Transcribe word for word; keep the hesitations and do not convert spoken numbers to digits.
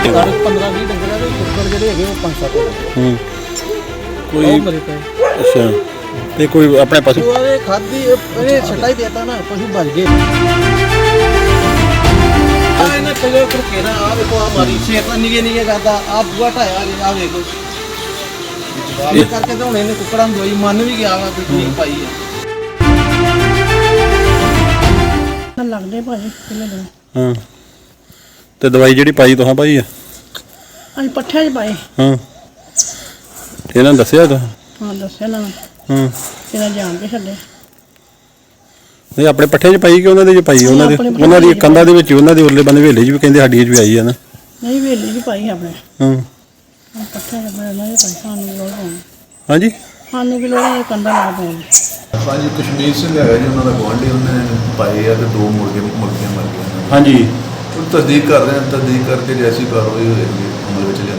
ਸੀਗਾ पंद्रह बीस डंगर है कुक्कड़ ਜਿਹੜੇ ਹੈਗੇ ਉਹ ਪੰਜ ਸੱਤ ਹੂੰ ਉਹ ਕੋਈ ਮਰੇ ਪਏ ਅੱਛਾ ਤੇ ਕੋਈ ਆਪਣੇ ਪਸ਼ੂ ਉਹਦੇ ਖਾਦੀ ਇਹਨੇ ਛਟਾ ਹੀ ਦੇਤਾ ਨਾ ਪਸ਼ੂ ਭੱਜ ਗਏ ਆ ਇਹਨਾਂ ਕੋਲੇ ਕਰਕੇ ਨਾ ਆ ਵੇਖੋ ਆ ਮਾਰੀ ਸ਼ੇਤਾਂ ਨਿਗੇ ਨਿਗੇ ਕਰਦਾ ਆ ਬੂਆ ਢਾਇਆ ਆ ਵੇਖੋ ਇਹ ਕਰਕੇ ਤਾਂ ਹੁਣ ਇਹਨੇ ਕੁੱਕੜਾਂ ਨੂੰ ਦੋਈ ਮੰਨ ਵੀ ਗਿਆ ਵਾ ਵੀ ਠੀਕ ਪਾਈ ਆ ਲੱਗਦੇ ਭਾਜੀ ਕਿੰਨੇ ਦਿਨ ਹਾਂ ਤੇ ਦਵਾਈ ਜਿਹੜੀ ਪਾਈ ਤੁਹਾਂ ਪਾਈ ਆ ਅਸੀਂ ਪੱਠਿਆਂ 'ਚ ਪਾਏ ਹਾਂ ਇਹਨਾਂ ਨੇ ਦੱਸਿਆ ਤਾਂ ਹਾਂ ਦੱਸਿਆ ਨਾ ਹਾਂ ਇਹਨਾਂ ਜਾਣ ਕੇ ਛੱਡੇ ਨਹੀਂ ਆਪਣੇ ਪੱਠੇ 'ਚ ਪਾਈ ਕਿ ਉਹਨਾਂ ਦੇ 'ਚ ਪਾਈ ਉਹਨਾਂ ਦੇ ਉਹਨਾਂ ਦੀ ਕੰਧਾਂ ਦੇ ਵਿੱਚ ਉਹਨਾਂ ਦੇ ਉਰਲੇ ਬੰਨੇ ਵੇਲੇ 'ਚ ਵੀ ਕਹਿੰਦੇ ਸਾਡੀ 'ਚ ਵੀ ਆਈ ਆ ਨਾ ਨਹੀਂ ਵੇਲੀ ਵੀ ਪਾਈ ਆਪਣੇ ਹਾਂ ਪੱਠਿਆਂ 'ਚ ਪਾਏ ਉਹਨਾਂ ਦੇ ਪਾਈ ਸਾਨੂੰ ਵੀ ਲੋੜ ਪਾਉਣੀ ਹਾਂਜੀ ਸਾਨੂੰ ਵੀ ਲੋੜ ਹੈ ਕੰਧਾਂ ਲਾ ਪਾਉਣੀ ਹਾਂਜੀ ਕਸ਼ਮੀਰ ਸਿੰਘ ਹੈਗਾ ਜੀ ਉਹਨਾਂ ਦਾ ਗੁਆਂਢੀ ਉਹਨੇ ਪਾਏ ਆ ਤੇ ਦੋ ਮੁਰਗੇ ਮੁਰਗੀਆਂ ਮਰ ਗਈਆਂ ਹਾਂਜੀ ਉਹ ਤਸਦੀਕ ਕਰ ਰਹੇ ਹਾਂ ਤਸਦੀਕ ਕਰਕੇ ਜੈਸੀ ਕਾਰਵਾਈ ਹੋਏਗੀ ਅਮਲ ਵਿੱਚ ਲਿਆ